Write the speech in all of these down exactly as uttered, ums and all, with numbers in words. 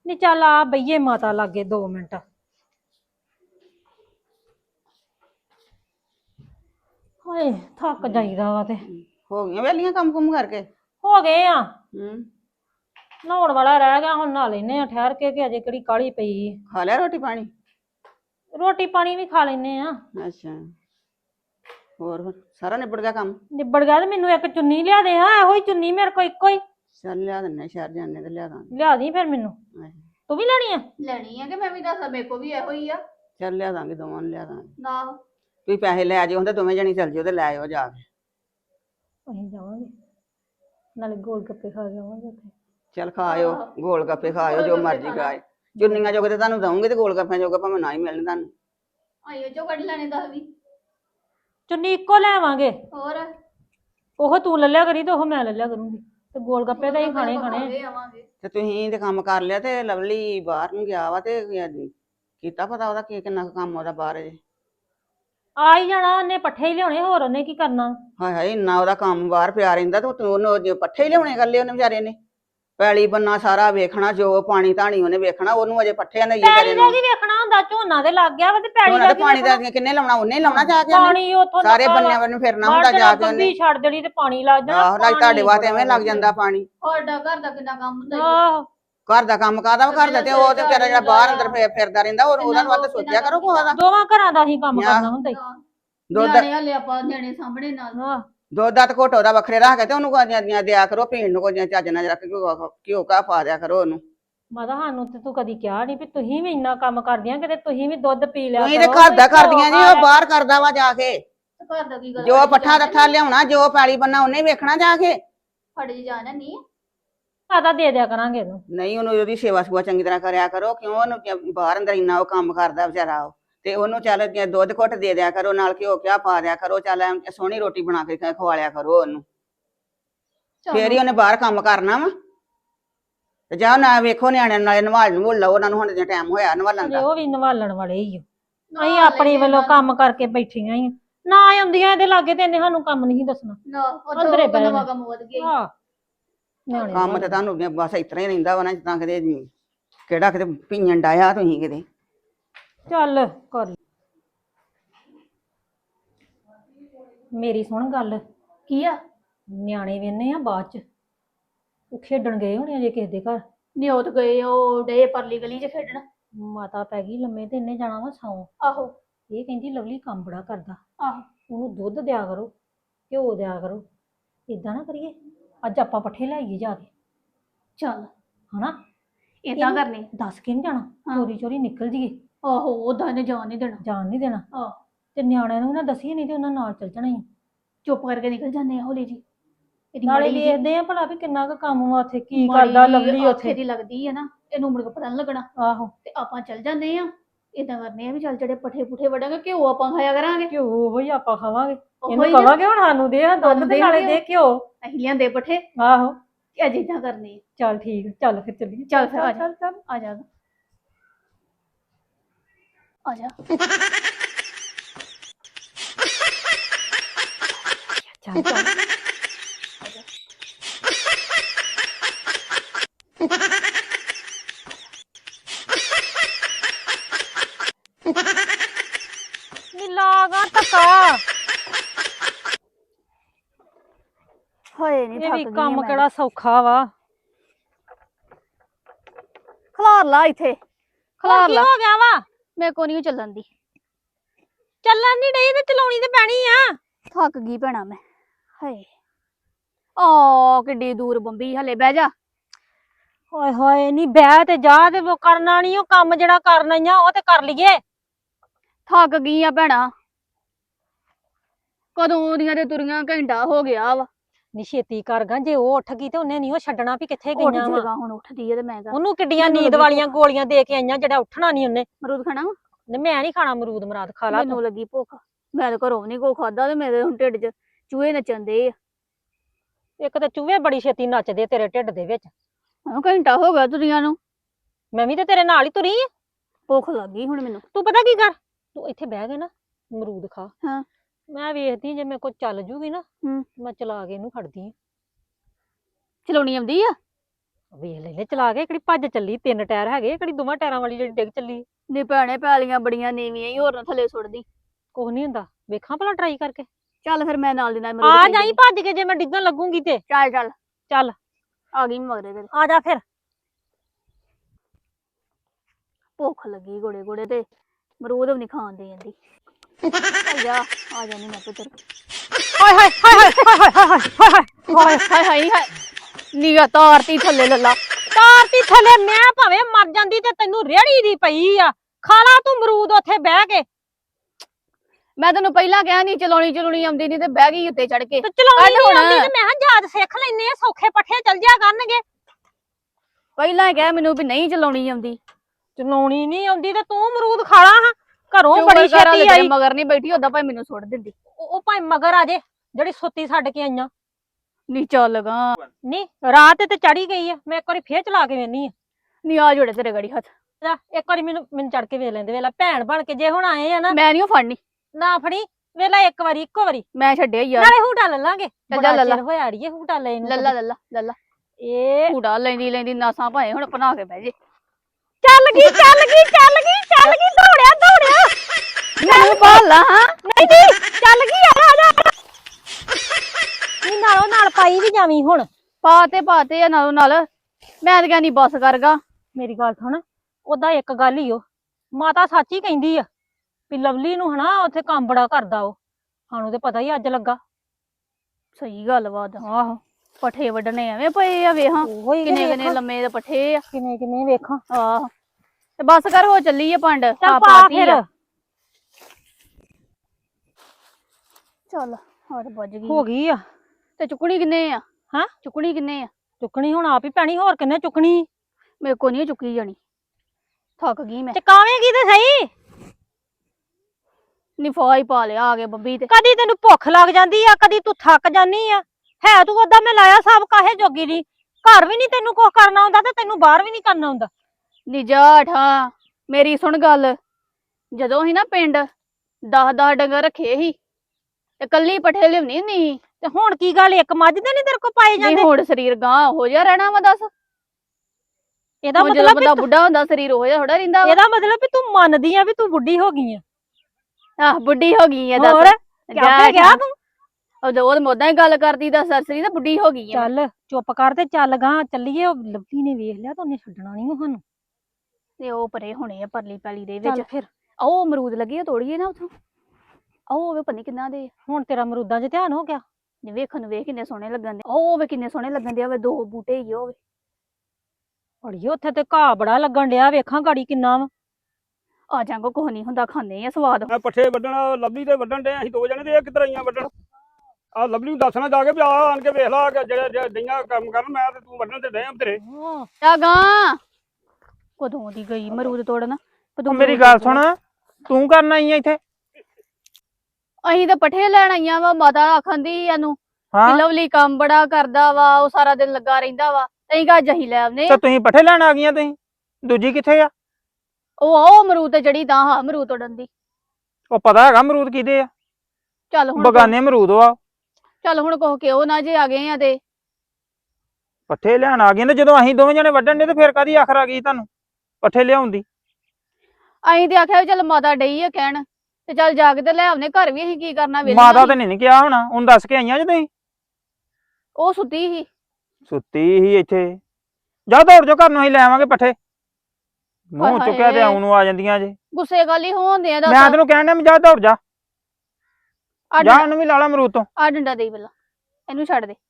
ਨੀ ਚੱਲ ਆ ਬਈਏ ਮਾਤਾ ਲਾਗੇ ਦੋ ਮਿੰਟ। ਹਾਏ ਥੱਕ ਜਾਈਦਾ ਵਾ ਤੇ। ਹੋ ਗਈਆਂ ਵੇਲੀਆਂ ਕੰਮ ਕੁਮ ਕਰਕੇ? ਹੋ ਗਏ ਆ। ਹੂੰ। ਨਹਾਉਣ ਵਾਲਾ ਰਹਿ ਗਿਆ, ਹੁਣ ਨਹਾ ਲੈਨੇ ਆ ਠਹਿਰ ਕੇ ਕਿ ਅਜੇ ਕਿਹੜੀ ਕਾਹਲੀ ਪਈ। ਖਾ ਲਿਆ ਰੋਟੀ ਪਾਣੀ? ਰੋਟੀ ਪਾਣੀ ਵੀ ਖਾ ਲੈਨੇ ਆ। ਅੱਛਾ, ਹੋਰ ਹੋਰ ਸਾਰਾ ਨਿਬੜ ਗਿਆ ਕੰਮ? ਨਿਬੜ ਗਿਆ। ਤੇ ਮੈਨੂੰ ਇੱਕ ਚੁੰਨੀ ਲਿਆ ਦੇ ਹਾਂ, ਇਹੋ ਹੀ ਚੁੰਨੀ ਮੇਰੇ ਕੋਲ ਇੱਕੋ ਹੀ। ਚੱਲ ਲਿਆ ਦਿੰਨੇ, ਸ਼ਹਿਰ ਜਾਂਦੇ ਤੇ ਲਿਆ ਦਾਂਗੇ। ਲਿਆ ਦੀ ਫਿਰ ਮੈਨੂੰ। ਤੂੰ ਵੀ ਲੈਣੀ ਆ? ਲੈਣੀ ਆ ਕਿ ਮੈਂ ਵੀ ਦੱਸਾਂ, ਮੇਰੇ ਕੋ ਵੀ ਇਹੋ ਹੀ ਆ। ਚੱਲ ਲਿਆ ਦਾਂਗੇ, ਦੋਵਾਂ ਨੂੰ ਲਿਆ ਦਾਂਗੇ। ਨਾ ਤੁਸੀਂ ਪੈਸੇ ਲੈ ਜਾਓ ਤੇ ਦੋਵੇਂ ਜਣੀ ਚੱਲ ਜਿਓ ਤੇ ਲੈ ਆਇਓ ਜਾ ਕੇ। ਅਸੀਂ ਜਾਵਾਂਗੇ ਨਾਲੇ ਗੋਲ ਗੱਪੇ ਖਾ ਕੇ ਆਵਾਂਗੇ ਉੱਥੇ। ਚੱਲ ਖਾ ਆਇਓ, ਗੋਲ ਗੱਪੇ ਖਾ ਆਇਓ, ਜੋ ਮਰਜ਼ੀ ਖਾਏ। ਚੁੰਨੀਆਂ ਜੋਗੇ ਤੇ ਤੁਹਾਨੂੰ ਦਊਂਗੇ ਤੇ ਗੋਲ ਗੱਪਿਆਂ ਜੋਗੇ ਭਾਵੇਂ ਨਾ ਹੀ ਮਿਲਣ ਤੁਹਾਨੂੰ। ਆਇਓ ਜੋ ਕੱਢ ਲੈਣੇ ਦਸ ਵੀ। ਚੁੰਨੀ ਇੱਕੋ ਲੈ ਆਵਾਂਗੇ। ਹੋਰ ਉਹ ਤੂੰ ਲੈ ਲਿਆ ਕਰੀ ਤੇ ਉਹ ਮੈਂ ਲੈ ਲਿਆ ਕਰੂੰਗੀ। ਤੇ ਗੋਲ ਗੱਪੇ ਤਾਂ ਹੀ ਖਾਣੇ ਖਾਣੇ। ਤੇ ਤੁਸੀਂ ਤੇ ਕੰਮ ਕਰ ਲਿਆ ਤੇ ਲਵਲੀ ਬਾਹਰ ਨੂੰ ਗਿਆ ਵਾ ਤੇ ਕੀਤਾ ਪਤਾ ਉਹਦਾ ਕੀ ਕਿੰਨਾ ਕੁ ਕੰਮ ਉਹਦਾ ਬਾਹਰ ਜੇ? ਆ ਹੀ ਜਾਣਾ ਉਹਨੇ, ਪੱਠੇ ਹੀ ਲਿਆਉਣੇ, ਹੋਰ ਉਹਨੇ ਕੀ ਕਰਨਾ। ਹਾਏ ਹਾਏ, ਇੰਨਾ ਉਹਦਾ ਕੰਮ ਬਾਹਰ ਪਿਆ ਰਹਿੰਦਾ ਤੇ ਤੂੰ ਉਹਨੂੰ ਪੱਠੇ ਹੀ ਲਿਆਉਣੇ ਗੱਲੇ ਉਹਨੇ ਵਿਚਾਰੇ ਨੇ। ਪੈਲੀ ਬੰਨਾ ਸਾਰਾ ਵੇਖਣਾ, ਜੋ ਪਾਣੀ ਧਾਣੀ ਉਹਨੇ ਵੇਖਣਾ, ਉਹਨੂੰ ਅਜੇ ਪੱਠਿਆਂ ਨੇ ਪੈਲੀ ਦਾ ਕੀ ਵੇਖਣਾ ਹੁੰਦਾ, ਝੋਨਾ ਦੇ ਲੱਗ ਗਿਆ ਵਾ ਤੇ ਪੈਲੀ ਦਾ ਕੀ ਪਾਣੀ ਦਾ ਕਿੰਨੇ ਲਾਉਣਾ? ਉਹਨੇ ਲਾਉਣਾ ਜਾ ਕੇ। ਪਾਣੀ ਉਥੋਂ ਸਾਰੇ ਬੰਨਿਆਂ ਵੱਲ ਨੂੰ ਫਿਰਨਾ ਹੁੰਦਾ ਜਾ ਕੇ ਉਹਨੇ। ਛੱਡ ਦੇਣੀ ਤੇ ਪਾਣੀ ਲੱਗ ਜਾਣਾ। ਆਹੋ, ਨਾਲ ਤੁਹਾਡੇ ਵਾਸਤੇ ਐਵੇਂ ਲੱਗ ਜਾਂਦਾ ਪਾਣੀ। ਤੁਹਾਡਾ ਘਰ ਦਾ ਕਿੰਨਾ ਕੰਮ ਹੁੰਦਾ? ਆਹੋ, ਘਰ ਦਾ ਕੰਮ ਕਾਹਦਾ ਵਾ? ਘਰ ਦਾ ਤੇ ਉਹ ਤੇ ਵਿਚਾਰਾ ਜਿਹੜਾ ਬਾਹਰ ਅੰਦਰ ਫਿਰਦਾ ਰਹਿੰਦਾ, ਉਹਨਾਂ ਵੱਲ ਸੋਚਿਆ ਕਰੋ ਕੋਹ ਦਾ। ਦੋਵਾਂ ਘਰਾਂ ਦਾ ਹੀ ਕੰਮ ਕਰਨਾ ਹੁੰਦਾ ਈ। ਦੁੱਧ ਨਿਆਣੇ ਹਲੇ ਆਪਾਂ ਨਿਆਣੇ ਸਾਹਮਣੇ ਨਾਲ ਦੁੱਧ ਦਾ ਤੇ ਘੋਟੋ ਦਾ ਵੱਖਰੇ ਰੱਖ ਕੇ ਤੇ ਉਹਨੂੰ ਕੋਈ ਦਿਆ ਕਰੋ ਪੀਣ ਨੂੰ, ਕੋਈ ਚੱਜ ਨਾਲ ਰੱਖ ਕੇ ਘਿਓ ਘਾ ਪਾ ਦਿਆ ਕਰੋ ਉਹਨੂੰ। ਮਾਤਾ ਸਾਨੂੰ ਤੇ ਤੂੰ ਕਦੀ ਕਿਹਾ ਨਹੀਂ ਵੀ ਤੁਸੀਂ ਵੀ ਇੰਨਾ ਕੰਮ ਕਰਦੀਆਂ, ਕਿਤੇ ਤੁਸੀਂ ਵੀ ਦੁੱਧ ਪੀ ਲਿਆ ਤੁਸੀਂ ਤੇ ਘਰ ਦਾ ਕਰਦੀਆਂ ਜੀ, ਉਹ ਬਾਹਰ ਕਰਦਾ ਵਾ ਜਾ ਕੇ। ਘਰ ਦਾ ਕੀ ਗੱਲ? ਜੋ ਪੱਠਾ ਰੱਥਾ ਲਿਆਉਣਾ, ਜੋ ਪੈਲੀ ਬੰਨਾ ਉਹਨੇ ਵੇਖਣਾ ਜਾ ਕੇ। ਫੜੀ ਜਾਣਾ ਨਹੀਂ ਪਤਾ ਦੇ ਦਿਆ ਕਰਾਂਗੇ ਇਹਨੂੰ। ਨਹੀਂ, ਉਹਨੂੰ ਉਹਦੀ ਸੇਵਾ ਸੁਵਾ ਚੰਗੀ ਤਰ੍ਹਾਂ ਕਰਿਆ ਕਰੋ। ਕਿਉਂ ਉਹਨੂੰ ਬਾਹਰ ਅੰਦਰ ਇੰਨਾ ਉਹ ਕੰਮ ਕਰਦਾ ਵਿਚਾਰਾ ਉਹ। ਤੇ ਉਹਨੂੰ ਚੱਲ ਦੁੱਧ ਘੁੱਟ ਦੇ ਦਿਆ ਕਰੋ, ਨਾਲ ਘਿਓ ਘਿਆ ਪਾ ਦਿਆ ਕਰੋ। ਚੱਲ ਸੋਹਣੀ ਰੋਟੀ ਬਣਾ ਕੇ ਖਵਾ ਲਿਆ ਕਰੋ ਉਹਨੂੰ, ਫੇਰ ਹੀ ਉਹਨੇ ਬਾਹਰ ਕੰਮ ਕਰਨਾ ਵਾ। ਤੇ ਜਾ ਨਾ ਵੇਖੋ ਨਿਆਣਿਆਂ ਨਾਲੇ ਨਵਾਲ ਨਵੂਲ ਲਓ ਉਹਨਾਂ ਨੂੰ, ਹੁਣ ਜੇ ਟਾਈਮ ਹੋਇਆ ਨਵਾਲਣ ਦਾ। ਉਹ ਵੀ ਨਵਾਲਣ ਵਾਲੇ ਹੀ ਆ। ਅਸੀਂ ਆਪਣੇ ਵੱਲੋਂ ਕੰਮ ਕਰਕੇ ਬੈਠੀਆਂ ਹੀ ਨਾ ਆਉਂਦੀਆਂ ਇਹਦੇ ਲਾਗੇ ਤੇ ਇਹਨੇ ਸਾਨੂੰ ਕੰਮ ਨਹੀਂ ਦੱਸਣਾ। ਨਾ ਉਧਰੇ ਨਵਾਂ ਕੰਮ ਵਧ ਗਿਆ। ਕੰਮ ਤੇ ਤੁਹਾਨੂੰ ਬਸ ਇਸ ਤਰ੍ਹਾਂ ਹੀ ਰਹਿੰਦਾ ਵਾ ਨਾ, ਜਿੱਦਾਂ ਕਿਤੇ ਕਿਹੜਾ ਕਿਤੇ ਪੀਣ ਡਾਇਆ ਤੁਸੀਂ ਕਿਤੇ। ਚੱਲ ਕਰ ਮੇਰੀ ਸੁਣ ਗੱਲ। ਕੀ ਆ? ਨਿਆਣੇ ਵੇਨੇ ਆ ਬਾਅਦ ਚ, ਉਹ ਖੇਡਣ ਗਏ ਹੋਣੇ ਅਜੇ ਕਿਸੇ ਦੇ ਘਰ। ਨਿਉਤ ਗਏ ਉਹ ਡੇ ਪਰਲੀ ਗਲੀ ਚ ਖੇਡਣ। ਮਾਤਾ ਪੈ ਗਈ ਲੰਮੇ ਤੇ ਇਹਨੇ ਜਾਣਾ ਵਾ ਸੌਂ। ਆਹੋ, ਇਹ ਕਹਿੰਦੀ ਲਵਲੀ ਕੰਮ ਬੜਾ ਕਰਦਾ, ਆਹੋ ਉਹਨੂੰ ਦੁੱਧ ਦਿਆ ਕਰੋ, ਘਿਓ ਦਿਆ ਕਰੋ। ਏਦਾਂ ਨਾ ਕਰੀਏ, ਅੱਜ ਆਪਾਂ ਪੱਠੇ ਲੈ ਆਈਏ ਜਾ ਕੇ। ਚੱਲ ਹਨਾ ਏਦਾਂ ਕਰਨੀ। ਦੱਸ ਕੇ ਨੀ ਜਾਣਾ, ਚੋਰੀ ਚੋਰੀ ਨਿਕਲ ਜੀਏ। ਆਹੋ, ਉਦਾਂ ਇਹਨੇ ਜਾਣ ਨਹੀਂ ਦੇਣਾ। ਜਾਣ ਨੀ ਦੇਣਾ। ਆਹ ਤੇ ਨਿਆਣਿਆਂ ਨੂੰ ਨਾ ਦਸੀਏ, ਨਹੀਂ ਤੇ ਉਹਨਾਂ ਨਾਲ ਚੱਲ ਜਾਣਾ ਹੀ। ਚੁੱਪ ਕਰਕੇ ਨਿਕਲ ਜਾਂਦੇ ਆ ਹੌਲੀ ਜੀ। ਨਾਲੇ ਵੇਖਦੇ ਆ ਭਲਾ ਵੀ ਕਿੰਨਾ ਕੁ ਕੰਮ ਵਾ ਉੱਥੇ, ਕੀ ਕਰਦਾ ਲਵਲੀ ਉੱਥੇ। ਦੀ ਲੱਗਦੀ ਆ ਨਾ, ਇਹਨੂੰ ਮੁੜ ਕੇ ਪਤਾ ਨੀ ਲੱਗਣਾ। ਆਹੋ, ਤੇ ਆਪਾਂ ਚੱਲ ਜਾਂਦੇ ਆ। ਏਦਾਂ ਕਰਨੇ ਆ ਵੀ ਚੱਲ ਜਿਹੜੇ ਪੱਠੇ ਪੁੱਠੇ ਵੜਾਂਗੇ, ਘਿਓ ਆਪਾਂ ਖਾਇਆ ਕਰਾਂਗੇ। ਘਿਓ ਉਹੀ ਆਪਾਂ ਖਾਵਾਂਗੇ। ਇਹਨੂੰ ਕਵਾਂਗੇ ਹੁਣ ਸਾਨੂੰ ਦੇ ਦੁੱਧ ਤੇ ਨਾਲੇ ਦੇ ਘਿਓ। ਅਸੀਂ ਲਿਆਂਦੇ ਪੱਠੇ। ਆਹੋ, ਅੱਜ ਏਦਾਂ ਕਰਨੀ। ਚੱਲ ਠੀਕ, ਚੱਲ ਫਿਰ ਚੱਲੀਏ। ਚੱਲ ਫਿਰ ਆ ਜਾ, ਚੱਲ ਚੱਲ ਆ ਜਾ ਆ ਜਾ। ਚੱਲ ਚੱਲ। ਲਾਗਾ ਟਕਾ ਹੋਏ ਨਹੀਂ, ਇਹ ਥੱਕ ਵੀ ਗਈ ਕੰਮ ਮੈਂ। ਕਿਹੜਾ ਸੌਖਾ ਵਾ। ਖਲਾਰ ਲਾ ਇੱਥੇ, ਖਲਾਰ ਕੀ ਲਾ। ਹੋ ਗਿਆ ਵਾ? ਮੇਰੇ ਕੋ ਨਹੀਂ ਚੱਲਣ ਦੀ। ਚੱਲਣ ਨਹੀਂ ਡਈ ਤੇ ਚਲਾਉਣੀ ਤੇ ਪੈਣੀ ਆ। ਥੱਕ ਗਈ ਭੈਣਾ ਮੈਂ। ਹਾਏ ਆ ਕਿੱਡੀ ਦੂਰ ਬੰਬੀ, ਹਲੇ ਬਹਿ ਜਾ। ਓਏ ਹੋਏ ਨਹੀਂ ਬਹਿ ਤੇ ਜਾ, ਤੇ ਉਹ ਕਰਨਾ ਨਹੀਂ, ਉਹ ਕੰਮ ਜਿਹੜਾ ਕਰਨਾ ਹੀ ਆ ਉਹ ਤੇ ਕਰ ਲਈਏ। ਥੱਕ ਗਈ ਆ ਭੈਣਾ, ਕਦੋਂ ਦੀਆਂ ਤੇ ਤੁਰੀਆਂ, ਘੰਟਾ ਹੋ ਗਿਆ ਵਾ। ਨੀ ਛੇਤੀ ਕਰ ਗਾ, ਜੇ ਉਹ ਉੱਠ ਗਈ ਤੇ ਉਹਨੇ ਨਹੀਂ ਉਹ ਛੱਡਣਾ ਵੀ ਕਿੱਥੇ ਉੱਠ ਗਈਆਂ ਵਾ। ਜੇਗਾ ਹੁਣ, ਉੱਠਦੀ ਆ ਤੇ ਮੈਂ ਕਹਾਂ ਉਹਨੂੰ ਕਿੱਡੀਆਂ ਨੀਂਦ ਵਾਲੀਆਂ ਗੋਲੀਆਂ ਦੇ ਕੇ ਆਈਆਂ, ਜਿਹੜਾ ਉੱਠਣਾ ਨਹੀਂ ਉਹਨੇ। ਮਰੂਦ ਖਾਣਾ ਵਾ? ਨਹੀਂ ਮੈਂ ਨਹੀਂ ਖਾਣਾ ਮਰੂਦ ਮਰਾਦ, ਖਾ ਲਾ ਤੂੰ। ਮੈਨੂੰ ਲੱਗੀ ਭੁੱਖ, ਮੈਂ ਤਾਂ ਘਰੋਂ ਨੀ ਕੋ ਖਾਦਾ ਤੇ ਮੇਰੇ ਹੁਣ ਢਿੱਡ 'ਚ ਚੂਹੇ ਨੱਚਣ ਦੇ ਆ। ਇੱਕ ਤਾਂ ਚੂਹੇ ਬੜੀ ਛੇਤੀ ਨੱਚਦੇ ਤੇਰੇ ਢਿੱਡ ਦੇ ਵਿੱਚ। ਹਾਂ ਘੰਟਾ ਹੋ ਗਿਆ ਤੁਰੀਆਂ ਨੂੰ। ਮੈਂ ਵੀ ਤੇ ਤੇਰੇ ਨਾਲ ਹੀ ਤੁਰੀ ਆ। ਭੁੱਖ ਲੱਗ ਗਈ ਹੁਣ ਮੈਨੂੰ। ਤੂੰ ਪਤਾ ਕੀ ਕਰ, ਤੂੰ ਇੱਥੇ ਬਹਿ ਕੇ ਨਾ ਮਰੂਦ ਖਾ। ਹਾਂ ਮੈਂ ਵੇਖਦੀ ਜੇ ਮੇਰੇ ਕੋਲ ਚੱਲ ਜੂਗੀ ਨਾ, ਹੂੰ ਮੈਂ ਚਲਾ ਕੇ ਇਹਨੂੰ ਖੜਦੀ ਆ। ਚਲਾਉਣੀ ਆਉਂਦੀ ਆ? ਵੇਖ ਲੈਨੇ ਚਲਾ ਕੇ ਕਿਹੜੀ ਭੱਜ ਚੱਲੀ, ਤਿੰਨ ਟਾਇਰ ਹੈਗੇ, ਕਿਹੜੀ ਦੋਵਾਂ ਟਾਇਰਾਂ ਵਾਲੀ ਜਿਹੜੀ ਡਿੱਗ ਚੱਲੀ। ਨੀ ਭੈਣੇ ਪੈਲੀਆਂ ਬੜੀਆਂ ਨੀਵੀਆਂ ਈ, ਹੋਰ ਨਾ ਥੱਲੇ ਸੁੱਟਦੀ। ਕੁਛ ਨਹੀਂ ਹੁੰਦਾ, ਵੇਖਾਂ ਭਲਾ ਟਰਾਈ ਕਰਕੇ। ਚੱਲ ਫਿਰ ਮੈਂ ਨਾਲ ਦੀ ਨਾਲ ਆ ਜਾਈ ਭੱਜ ਕੇ ਜੇ ਮੈਂ ਡਿੱਗਣ ਲੱਗੂਗੀ ਤੇ। ਚੱਲ ਚੱਲ ਚੱਲ ਆ ਗਈ ਮਗਰੇ ਤੇਰੇ। ਆ ਜਾ ਫਿਰ। ਭੁੱਖ ਲੱਗੀ ਗੋੜੇ ਗੋੜੇ ਤੇ ਮਰੂਦ ਵੀ ਨਹੀਂ ਖਾਣ ਦੇ ਜਾਂਦੀ। ਚੱਲ ਜਾ ਆ ਜਾਨੀ ਮੈਂ ਪੁੱਤਰ। ਹਾਏ ਹਾਏ ਹਾਏ ਹਾਏ ਹਾਏ ਹਾਏ ਹਾਏ ਹਾਏ ਹਾਏ ਹਾਏ ਨੀਗਾ ਤਾਰਤੀ ਥੱਲੇ ਲੱਲਾ। ਤਾਰਤੀ ਥੱਲੇ ਮੈਂ ਭਾਵੇਂ ਮਰ ਜਾਂਦੀ ਤੇ ਤੈਨੂੰ ਰੇੜੀ ਦੀ ਪਈ ਆ, ਖਾ ਲਾ ਤੂੰ ਮਰੂਦ ਉੱਥੇ ਬਹਿ ਕੇ। ਮੈਂ ਤੈਨੂੰ ਪਹਿਲਾਂ ਕਿਹਾ ਨਹੀਂ ਚਲਾਉਣੀ ਚਲਾਉਣੀ ਆਉਂਦੀ ਨਹੀਂ ਤੇ ਬਹਿ ਗਈ ਉੱਤੇ ਚੜ ਕੇ। ਤੇ ਚਲਾਉਣੀ ਨਹੀਂ ਆਉਂਦੀ ਤੇ ਮੈਂ ਕਿਹਾ ਜਾਦ ਸਿੱਖ ਲੈਨੇ ਆ, ਸੌਖੇ ਪੱਠੇ ਚੱਲ ਜਿਆ ਕਰਨਗੇ। ਪਹਿਲਾਂ ਹੀ ਕਿਹਾ ਮੈਨੂੰ ਵੀ ਨਹੀਂ ਚਲਾਉਣੀ ਆਉਂਦੀ। ਚਲਾਉਣੀ ਨਹੀਂ ਆਉਂਦੀ ਤੇ ਤੂੰ ਮਰੂਦ ਖਾ ਲਾ ਹਾਂ, ਘਰੋਂ ਸ਼ੁਕਰ ਬੜੀ ਕਰ ਛੇਤੀ ਤੇਰੇ ਆਈ। ਮਗਰ ਨਹੀਂ ਬੈਠੀ, ਓਦਾਂ ਭਾਈ ਮੈਨੂੰ ਸੁੱਟ ਦਿੰਦੀ। ਉਹ ਭਾਵੇਂ ਮਗਰ ਆ ਜੇ ਜਿਹੜੀ ਸੁੱਤੀ ਛੱਡ ਕੇ ਆਈਆਂ। ਨੀ ਚੱਲ ਗਾ ਨਹੀਂ ਰਾਤ ਤੇ ਚੜੀ ਗਈ ਆ, ਮੈਂ ਇੱਕ ਵਾਰੀ ਫੇਰ ਚਲਾ ਕੇ ਵੇਨੀ ਆ। ਨੀ ਆ ਜੋੜੇ ਤੇਰੇ ਗੜੀ ਹੱਥ। ਜਾ ਇੱਕ ਵਾਰੀ ਮੈਨੂੰ ਮੈਨੂੰ ਚੜ ਕੇ ਵੇਖ ਲੈਂਦੇ, ਵੇਲਾ ਭੈਣ ਬਣ ਕੇ ਜੇ ਹੁਣ ਆਏ ਆ ਨਾ। ਮੈਂ ਨਹੀਂ ਫੜਨੀ ਨਾ ਫੜੀ, ਵੇਲਾ ਇੱਕ ਵਾਰੀ ਇੱਕੋ ਵਾਰੀ ਮੈਂ ਛੱਡਿਆ ਯਾਰ। ਨਾਲੇ ਹੂਟਾ ਲੈ ਲਾਂਗੇ। ਚੱਲ ਜਾ ਲੱਲਾ ਹੋਇਆ ਅੜੀਏ ਹੂਟਾ ਲੈ ਨੂੰ। ਲੱਲਾ ਲੱਲਾ ਲੱਲਾ ਇਹ ਹੂੜਾ ਲੈਂਦੀ ਲੈਂਦੀ ਨਾਸਾਂ ਭਾਏ ਹੁਣ ਬਣਾ ਕੇ ਬਹਿ ਜੇ। ਚੱਲ ਗਈ ਚੱਲ ਗਈ ਚੱਲ ਗਈ ਚੱਲ ਗਈ, ਦੌੜਿਆ ਦੌੜਿਆ। ਮੈਨੂੰ ਬਾਲਾ ਹਾਂ ਨਹੀਂ ਨਹੀਂ ਚੱਲ ਗਈ, ਆ ਜਾ ਆ ਜਾ। ਨਹੀਂ ਨਾਲੋਂ ਨਾਲ ਪਾਈ ਵੀ ਜਾਵੀਂ ਹੁਣ। ਪਾਤੇ ਪਾਤੇ ਆ ਨਾਲੋਂ ਨਾਲ। ਮੈਂ ਤਾਂ ਕਹਿੰਦੀ ਬਸ ਕਰਗਾ। ਮੇਰੀ ਗੱਲ ਸੁਣ, ਓਦਾਂ ਇੱਕ ਗੱਲ ਹੀ ਓ, ਮਾਤਾ ਸੱਚ ਹੀ ਕਹਿੰਦੀ ਆ ਵੀ ਲਵਲੀ ਨੂੰ ਹਨਾ ਉੱਥੇ ਕੰਮ ਬੜਾ ਕਰਦਾ ਉਹ। ਸਾਨੂੰ ਤੇ ਪਤਾ ਹੀ ਅੱਜ ਲੱਗਾ। ਸਹੀ ਗੱਲ ਬਾਤ। ਆਹੋ ਪੱਠੇ ਵੱਢਣੇ ਐਵੇਂ ਪਏ ਆ ਵੇਹਾਂ, ਉਹੋ ਹੀ ਕਿੰਨੇ ਕਿੰਨੇ ਲੰਮੇ ਦੇ ਪੱਠੇ ਆ। ਕਿੰਨੇ ਕਿੰਨੇ ਵੇਖਾਂ। ਆਹ ਤੇ ਬਸ ਕਰ ਹੋ ਚੱਲੀ ਆ ਪੰਡ। ਚੱਲ ਪਾ ਫਿਰ। ਚੱਲ ਹੱਥ ਵੱਜ ਗਈ ਹੋ ਗਈ ਆ। ਤੇ ਚੁੱਕਣੀ ਕਿੰਨੇ ਆ? ਹਾਂ ਚੁੱਕਣੀ ਕਿੰਨੇ ਆ? ਚੁੱਕਣੀ ਹੁਣ ਆਪ ਹੀ ਪੈਣੀ, ਹੋਰ ਕਿੰਨੇ ਚੁੱਕਣੀ। ਮੇਰੇ ਕੋ ਨਹੀਂ ਚੁੱਕੀ ਜਾਣੀ, ਥੱਕ ਗਈ ਮੈਂ। ਚਕਾਵੇਂਗੀ ਤੇ ਸਹੀ। ਨਿਫਾ ਹੀ ਪਾ ਲਿਆ ਆ ਕੇ ਬੰਬੀ ਤੇ। ਕਦੀ ਤੈਨੂੰ ਭੁੱਖ ਲੱਗ ਜਾਂਦੀ ਆ, ਕਦੀ ਤੂੰ ਥੱਕ ਜਾਨੀ ਆ। ਹੈ ਤੂੰ ਓਦਾਂ ਮੈਂ ਲਾਇਆ ਸਭ ਕਾਹੇ ਜੋਗੀ ਦੀ। ਘਰ ਵੀ ਨਹੀਂ ਤੈਨੂੰ ਕੁਛ ਕਰਨਾ ਆਉਂਦਾ ਤੇ ਤੈਨੂੰ ਬਾਹਰ ਵੀ ਨਹੀਂ ਕਰਨਾ ਆਉਂਦਾ। ਨਿਜਾ ਠਾ ਮੇਰੀ ਸੁਣ ਗੱਲ। ਜਦੋਂ ਹੀ ਨਾ ਪਿੰਡ ਦਸ ਦਸ ਡੰਗਰ ਰੱਖੇ ਸੀ ਤੇ ਕੱਲੀ ਪੱਠੇ ਲਿਆਉਣੀ ਨਹੀਂ। ਤੇ ਹੁਣ ਕੀ ਗੱਲ, ਇੱਕ ਮੱਝ ਦੇ ਨਹੀਂ ਤੇਰੇ ਕੋ ਪਾਏ ਨਹੀਂ ਜਾਂਦੇ? ਹੁਣ ਸਰੀਰ ਗਾਂ ਹੋ ਜਾ ਰਹਿਣਾ ਵਾ ਦੱਸ। ਇਹਦਾ ਹੁਣ ਜਦੋਂ ਮਤਲਬ ਬੰਦਾ ਵੀ ਬੁੱਢਾ ਹੁੰਦਾ ਸਰੀਰ ਹੋ ਜਾ ਥੋੜਾ ਰਹਿੰਦਾ ਵਾ। ਇਹਦਾ ਮਤਲਬ ਵੀ ਤੂੰ ਮੰਨਦੀ ਆ ਵੀ ਤੂੰ ਬੁੱਢੀ ਹੋ ਗਈ ਆ। ਆਹ ਬੁੱਢੀ ਹੋ ਗਈ ਆ ਹੋਰ ਦੱਸ। ਕਿਆ ਗਿਆ ਤੂੰ? ਉਦੋਂ ਉਹ ਮੋਦਾ ਹੀ ਗੱਲ ਕਰਦੀ ਦਾ ਸਰਸਰੀ ਤਾਂ ਬੁੱਢੀ ਹੋ ਗਈ ਆ। ਚੱਲ ਚੁੱਪ ਕਰ ਤੇ ਚੱਲ ਗਾਂ ਚੱਲੀਏ। ਉਹ ਲੱਭੀ ਨੇ ਵੇਖ ਲਿਆ ਤਾਂ ਉਹਨੇ ਛੱਡਣਾ ਨਹੀਂ ਸਾਨੂੰ। ਤੇ ਉਹ ਪਰੇ ਹੋਣੇ ਆ ਪਰਲੀ ਪੈਲੀ ਦੇ ਚੱਲ ਵਿੱਚ। ਫਿਰ ਉਹ ਅਮਰੂਦ ਲੱਗੇ ਆ ਤੋੜੀਏ ਨਾ ਉਥੋਂ। ਉਹ ਵੇ ਪਨੀ ਕਿੰਨਾ ਦੇ ਹੁਣ ਤੇਰਾ ਅਮਰੂਦਾਂ 'ਚ ਧਿਆਨ ਹੋ ਗਿਆ। ਜੇ ਵੇਖਣ ਨੂੰ ਵੇਖ ਕਿੰਨੇ ਸੋਹਣੇ ਲੱਗਣ ਦੇ। ਉਹ ਵੇ ਕਿੰਨੇ ਸੋਹਣੇ ਲੱਗਣ ਦੇ ਆ ਵੇ ਦੋ ਬੂਟੇ ਹੀ ਹੋਵੇ। ਅੜੀਏ ਉੱਥੇ ਤੇ ਘਾਹ ਬੜਾ ਲੱਗਣ ਡਿਆ, ਵੇਖਾਂ ਗਾੜੀ ਕਿੰਨਾ ਵਾ। ਆ ਜਾਂਗੋ ਕੁਛ ਨਹੀਂ ਹੁੰਦਾ, ਖਾਂਦੇ ਆ ਸਵਾਦ। ਮੈਂ ਪੱਠੇ ਵੱਢਣ ਲਵਲੀ ਤੇ ਵੱਢਣ ਦੇ ਅਸੀਂ ਦੋ ਜਣੇ ਤੇ ਇਹ ਕਿੱਧਰ ਆਈਆਂ ਵੱਢਣ। ਆ ਲਵਲੀ ਨੂੰ ਦੱਸਣਾ ਜਾ ਕੇ ਵੀ ਆ ਆਣ ਕੇ ਵੇਖ ਲਾ ਕਿ ਜਿਹੜੇ ਡਈਆਂ ਕੰਮ ਕਰਨ, ਮੈਂ ਤੇ ਤੂੰ ਵੱਢਣ ਤੇ ਡੇ ਤੇਰੇ। ਆ ਗਾਂ ਕਦੋਂ ਦੀ ਗਈ ਮਰੂਦ ਤੋੜਨ। ਮੇਰੀ ਗੱਲ ਸੁਣ, ਤੂੰ ਕਰਨ ਆਈ ਆ ਇੱਥੇ? ਅਸੀਂ ਤਾਂ ਪੱਠੇ ਲੈਣ ਆਈਆਂ ਵਾ। ਮਾਤਾ ਆਖਣ ਦੀ ਇਹਨੂੰ ਹਾਂ ਲਵਲੀ ਕੰਮ ਬੜਾ ਕਰਦਾ ਵਾ, ਉਹ ਸਾਰਾ ਦਿਨ ਲੱਗਾ ਰਹਿੰਦਾ ਵਾ। ਅਸੀਂ ਕਹਾ ਜਹੀ ਲੈ ਆਉਨੇ ਤੇ ਤੁਸੀਂ ਪੱਠੇ ਲੈਣ ਆ ਗਈਆਂ? ਤੁਸੀਂ ਦੂਜੀ ਕਿੱਥੇ ਆ? ਉਹ ਆਓ ਅਮਰੂਦ ਤੇ ਜੜੀ ਤਾਂ ਹਾਂ ਅਮਰੂਦ ਤੋੜਨ ਦੀ। ਉਹ ਪਤਾ ਹੈਗਾ ਅਮਰੂਦ ਕਿਹਦੇ ਆ? ਚੱਲ ਹੁਣ ਬਗਾਨੇ ਅਮਰੂਦ ਆ। ਚੱਲ ਹੁਣ ਕਹੋ ਕਿ ਉਹ ਨਾ ਜੇ ਆ ਗਏ ਆ ਤੇ ਪੱਠੇ ਲੈਣ ਆ ਗਏ ਨੇ, ਜਦੋਂ ਅਸੀਂ ਦੋਵੇਂ ਜਣੇ ਵੱਢਣ ਦੇ ਤੇ ਫਿਰ ਕਾਦੀ ਆਖਰ ਆ ਗਈ ਤੁਹਾਨੂੰ ਪੱਠੇ ਲਿਆਉਣ ਦੀ? ਅਸੀਂ ਤੇ ਆਖਿਆ ਵੀ ਚੱਲ ਮਾਤਾ ਡਈ ਆ ਕਹਿਣ ਤੇ ਚੱਲ ਜਾ ਕੇ ਤੇ ਲੈ ਆਉਨੇ। ਘਰ ਵੀ ਅਸੀਂ ਕੀ ਕਰਨਾ ਵੇਲੇ ਮਾਤਾ ਤੇ ਨਹੀਂ ਕਿਹਾ ਹੋਣਾ, ਉਹਨੂੰ ਦੱਸ ਕੇ ਆਈਆਂ ਜੇ ਤੁਸੀਂ? ਉਹ ਸੁੱਤੀ ਸੀ। ਸੁੱਤੀ ਹੀ ਇੱਥੇ। ਜਾ ਦੌੜ ਜੋ ਘਰ ਨੂੰ, ਅਸੀਂ ਲੈ ਆਵਾਂਗੇ ਪੱਠੇ। ਮੂੰਹ ਹਾਏ ਚੁੱਕਿਆ ਤੇ ਹਾਏ। ਆਉਂ ਨੂੰ ਆ ਜਾਂਦੀਆਂ ਜੇ। ਗੁੱਸੇ ਗੱਲ ਹੀ ਹੋਣਦੇ ਆ ਮੈਂ ਦੱਸ। ਤੈਨੂੰ ਕਹਿਣ ਡਿਆ ਮੈਂ ਜਾ ਦੌੜ ਜਾ। ਆ ਜਾ ਇਹਨੂੰ ਵੀ ਲਾ ਲਾ ਅਮਰੂਦ ਤੋਂ। ਆ ਡੰਡਾ ਦੇ ਪਹਿਲਾਂ, ਇਹਨੂੰ ਛੱਡ ਦੇ।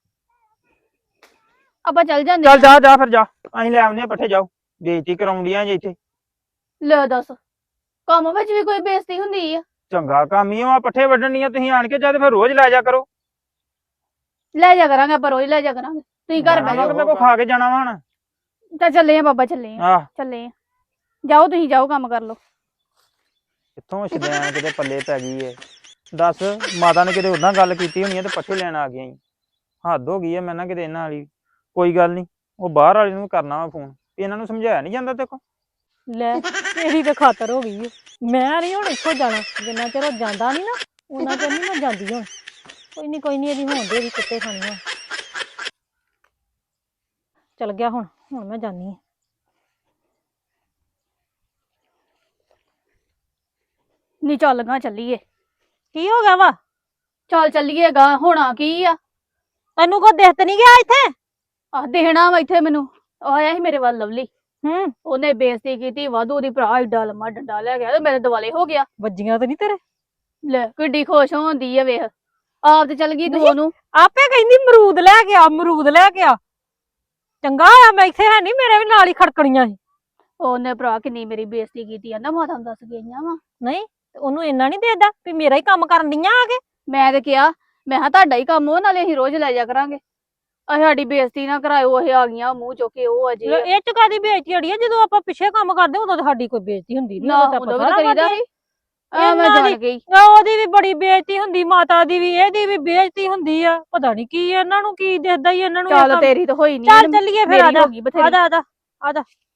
ਆਪਾਂ ਚੱਲ ਜਾਂਦੇ ਚੱਲ ਜਾ ਜਾ ਫਿਰ ਜਾ, ਅਸੀਂ ਲੈ ਆਉਂਦੇ ਆ ਪੱਠੇ। ਜਾਓ, ਬੇਇੱਜ਼ਤੀ ਕਰਾਉਂਦੀਆਂ ਜੇ ਇੱਥੇ। ਲੈ ਦੱਸ, ਕੰਮ ਵਿੱਚ ਵੀ ਕੋਈ ਬੇਇੱਜ਼ਤੀ ਹੁੰਦੀ ਆ? ਚੰਗਾ ਕੰਮ ਹੀ ਆ ਪੱਠੇ ਵੱਢਣੀਆਂ ਤੁਸੀਂ ਆਣ ਕੇ, ਜਦ ਫਿਰ ਰੋਜ਼ ਲੈ ਜਾ ਕਰੋ। ਲੈ ਜਾ ਕਰਾਂਗੇ ਆਪਾਂ, ਰੋਜ਼ ਲੈ ਜਾ ਕਰਾਂਗੇ। ਤੁਸੀਂ ਘਰ ਬਹਿ ਜਾਓ। ਮੈਂ ਕੋ ਖਾ ਕੇ ਜਾਣਾ ਵਾ ਹੁਣ। ਤਾਂ ਚੱਲੇ ਆ ਬਾਬਾ, ਚੱਲੇ ਆ ਆਹ ਚੱਲੇ ਆ। ਜਾਓ ਤੁਸੀਂ, ਜਾਓ ਕੰਮ ਕਰ ਲਓ। ਕਿੱਥੋਂ ਸ਼ਦੈਨ ਕਿਤੇ ਪੱਲੇ ਪੈ ਗਈ ਏ। ਦੱਸ, ਮਾਤਾ ਨੇ ਕਿਤੇ ਉਦਾਂ ਗੱਲ ਕੀਤੀ ਹੋਣੀ ਆ ਤੇ ਪੱਠੇ ਲੈਣ ਆ ਗਈਆਂ ਈ। ਹੱਦ ਹੋ ਗਈ ਆ ਮੈਂ ਨਾ ਕਿਤੇ ਇਹਨਾਂ ਵਾਲੀ। ਕੋਈ ਗੱਲ ਨਹੀਂ, ਉਹ ਬਾਹਰ ਵਾਲੇ ਨੂੰ ਕਰਨਾ ਵਾ ਫੋਨ। ਇਹਨਾਂ ਨੂੰ ਸਮਝਾਇਆ ਨਹੀਂ ਜਾਂਦਾ ਦੇਖੋ। ਲੈ ਤੇਰੀ ਤੇ ਖਾਤਰ ਹੋ ਗਈ। ਮੈਂ ਨਹੀਂ ਹੁਣ ਇੱਥੋਂ ਜਾਣਾ, ਜਿੰਨਾ ਚਿਰ ਉਹ ਜਾਂਦਾ ਨਹੀਂ ਨਾ ਉਹਨਾਂ ਚਿਰ ਨਹੀਂ ਮੈਂ ਜਾਂਦੀ ਹੁਣ। ਕੋਈ ਨਹੀਂ ਕੋਈ ਨਹੀਂ, ਇਹਦੀ ਹੋਣ ਦੇ ਵੀ ਕੁੱਤੇ ਖਾਣੀਆਂ। ਚਲ ਗਿਆ ਹੁਣ ਹੁਣ ਮੈਂ ਜਾਨੀ ਆ। ਨੀ ਚੱਲ ਗਾ ਚੱਲੀਏ। ਕੀ ਹੋ ਗਿਆ ਵਾ? ਚੱਲ ਚੱਲੀਏ ਗਾ, ਹੋਣਾ ਕੀ ਆ? ਤੈਨੂੰ ਕੋ ਦਿਖ ਤੇ ਨਹੀਂ ਗਿਆ ਇੱਥੇ? ਆਹ ਦੇਣਾ ਵਾ ਇੱਥੇ ਮੈਨੂੰ। ਉਹ ਆਇਆ ਸੀ ਮੇਰੇ ਵੱਲ ਲਵਲੀ, ਹੂੰ ਉਹਨੇ ਬੇਇੱਜ਼ਤੀ ਕੀਤੀ ਵਾਧੂ ਦੀ। ਭਰਾ ਏਡਾ ਲੰਮਾ ਡੰਡਾ ਲੈ ਗਿਆ ਤੇ ਮੇਰੇ ਦੁਆਲੇ ਹੋ ਗਿਆ। ਵੱਜੀਆਂ ਤੇ ਨਹੀਂ ਤੇਰੇ? ਲੈ ਕਿੱਡੀ ਖੁਸ਼ ਹੁੰਦੀ ਆ ਵੇਖ, ਆਪ ਤੇ ਚੱਲ ਗਈ ਦੋ ਨੂੰ। ਆਪੇ ਕਹਿੰਦੀ ਅਮਰੂਦ ਲੈ ਕੇ ਆ, ਅਮਰੂਦ ਲੈ ਕੇ ਆ। ਚੰਗਾ ਆ ਮੈਂ ਇੱਥੇ ਹੈ ਨਹੀਂ, ਮੇਰੇ ਵੀ ਨਾਲ ਹੀ ਖੜਕਣੀਆਂ ਸੀ। ਉਹਨੇ ਭਰਾ ਕਿੰਨੀ ਮੇਰੀ ਬੇਇੱਜ਼ਤੀ ਕੀਤੀ ਆ ਨਾ, ਮਾਤਾ ਨੂੰ ਦੱਸ ਗਈਆਂ ਵਾ। ਨਹੀਂ ਤੇ ਉਹਨੂੰ ਇੰਨਾ ਨਹੀਂ ਦੇਦਾ ਵੀ ਮੇਰਾ ਹੀ ਕੰਮ ਕਰਨ ਦੀਆਂ ਆ ਕੇ। ਮੈਂ ਤੇ ਕਿਹਾ, ਮੈਂ ਕਿਹਾ ਤੁਹਾਡਾ ਹੀ ਕੰਮ ਉਹ, ਨਾਲੇ ਅਸੀਂ ਰੋਜ਼ ਲੈ ਜਾ ਕਰਾਂਗੇ। ਅਸੀਂ ਸਾਡੀ ਬੇਇੱਜ਼ਤੀ ਨਾ ਕਰਾਇਓ, ਇਹ ਆ ਗਈਆਂ ਮੂੰਹ ਚੁੱਕ ਕੇ ਉਹ ਅਜੇ। ਲੈ ਇਹ ਚ ਕਾਦੀ ਬੇਇੱਜ਼ਤੀ ਅੜੀ ਆ? ਜਦੋਂ ਆਪਾਂ ਪਿੱਛੇ ਕੰਮ ਕਰਦੇ ਉਦੋਂ ਤਾਂ ਸਾਡੀ ਕੋਈ ਬੇਇੱਜ਼ਤੀ ਹੁੰਦੀ ਨਹੀਂ। ਨਾ ਉਦੋਂ ਵੀ ਤਾਂ ਕਰੀਦਾ ਸੀ। ਆ ਮੈਂ ਇਹਨਾਂ ਦੀ- ਜਾਣ ਗਈ। ਉਹਦੀ ਵੀ ਬੜੀ ਬੇਇੱਜ਼ਤੀ ਹੁੰਦੀ, ਮਾਤਾ ਦੀ ਵੀ, ਇਹਦੀ ਵੀ ਬੇਇੱਜ਼ਤੀ ਹੁੰਦੀ ਆ। ਪਤਾ ਨਹੀਂ ਕੀ ਇਹਨਾਂ ਨੂੰ ਕੀ ਦਿਖਦਾ ਹੀ ਇਹਨਾਂ ਨੂੰ ਇਹ ਚੱਲ ਕੰਮ। ਤੇਰੀ ਤਾਂ ਹੋਈ ਨਹੀਂ। ਚੱਲ ਚੱਲੀਏ ਫਿਰ, ਆ ਜਾ ਹੋ ਗਈ ਬਥੇਰੀ। ਆ ਜਾ ਆ ਜਾ ਆ ਜਾ।